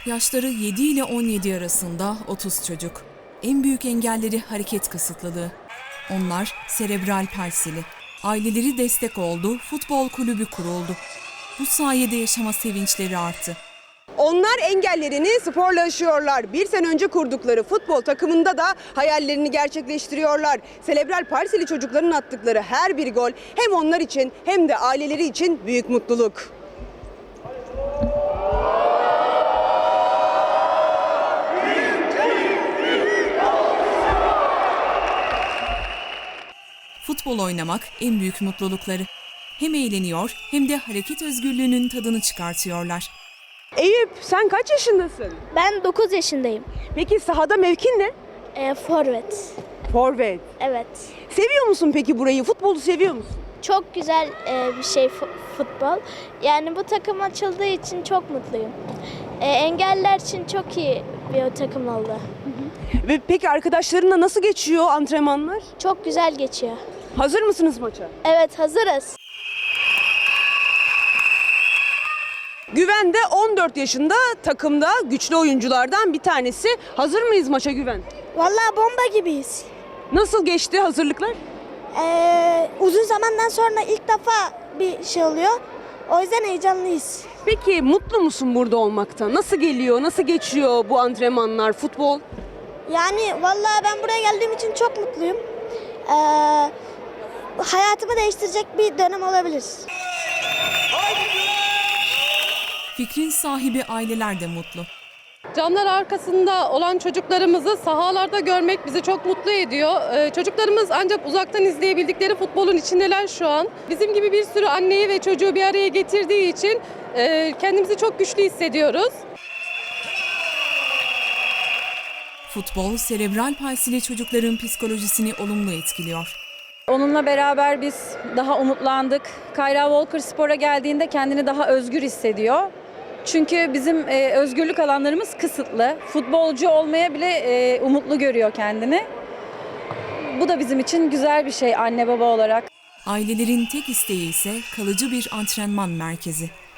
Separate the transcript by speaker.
Speaker 1: Yaşları 7 ile 17 arasında 30 çocuk. En büyük engelleri hareket kısıtlılığı. Onlar serebral palsili. Aileleri destek oldu, futbol kulübü kuruldu. Bu sayede yaşama sevinçleri arttı.
Speaker 2: Onlar engellerini sporla aşıyorlar. Bir sene önce kurdukları futbol takımında da hayallerini gerçekleştiriyorlar. Serebral palsili çocukların attıkları her bir gol hem onlar için hem de aileleri için büyük mutluluk.
Speaker 1: Futbol oynamak en büyük mutlulukları. Hem eğleniyor hem de hareket özgürlüğünün tadını çıkartıyorlar.
Speaker 2: Eyüp, sen kaç yaşındasın?
Speaker 3: Ben 9 yaşındayım.
Speaker 2: Peki sahada mevkin ne?
Speaker 3: Forvet.
Speaker 2: Forvet.
Speaker 3: Evet.
Speaker 2: Seviyor musun peki burayı? Futbolu seviyor musun?
Speaker 3: Çok güzel bir şey futbol. Yani bu takım açıldığı için çok mutluyum. Engelliler için çok iyi bir takım oldu.
Speaker 2: Ve peki arkadaşlarınla nasıl geçiyor antrenmanlar?
Speaker 3: Çok güzel geçiyor.
Speaker 2: Hazır mısınız maça?
Speaker 3: Evet, hazırız.
Speaker 2: Güven de 14 yaşında, takımda güçlü oyunculardan bir tanesi. Hazır mıyız maça Güven?
Speaker 4: Vallahi bomba gibiyiz.
Speaker 2: Nasıl geçti hazırlıklar?
Speaker 4: Uzun zamandan sonra ilk defa bir şey oluyor. O yüzden heyecanlıyız.
Speaker 2: Peki mutlu musun burada olmaktan? Nasıl geliyor, nasıl geçiyor bu antrenmanlar, futbol?
Speaker 4: Yani vallahi ben buraya geldiğim için çok mutluyum. Hayatımı değiştirecek bir dönem olabilir.
Speaker 1: Fikrin sahibi aileler de mutlu.
Speaker 5: Camlar arkasında olan çocuklarımızı sahalarda görmek bizi çok mutlu ediyor. Çocuklarımız ancak uzaktan izleyebildikleri futbolun içindeler şu an. Bizim gibi bir sürü anneyi ve çocuğu bir araya getirdiği için kendimizi çok güçlü hissediyoruz.
Speaker 1: Futbol, serebral palsili çocukların psikolojisini olumlu etkiliyor.
Speaker 6: Onunla beraber biz daha umutlandık. Kayra Walker spora geldiğinde kendini daha özgür hissediyor. Çünkü bizim özgürlük alanlarımız kısıtlı. Futbolcu olmaya bile umutlu görüyor kendini. Bu da bizim için güzel bir şey anne baba olarak.
Speaker 1: Ailelerin tek isteği ise kalıcı bir antrenman merkezi.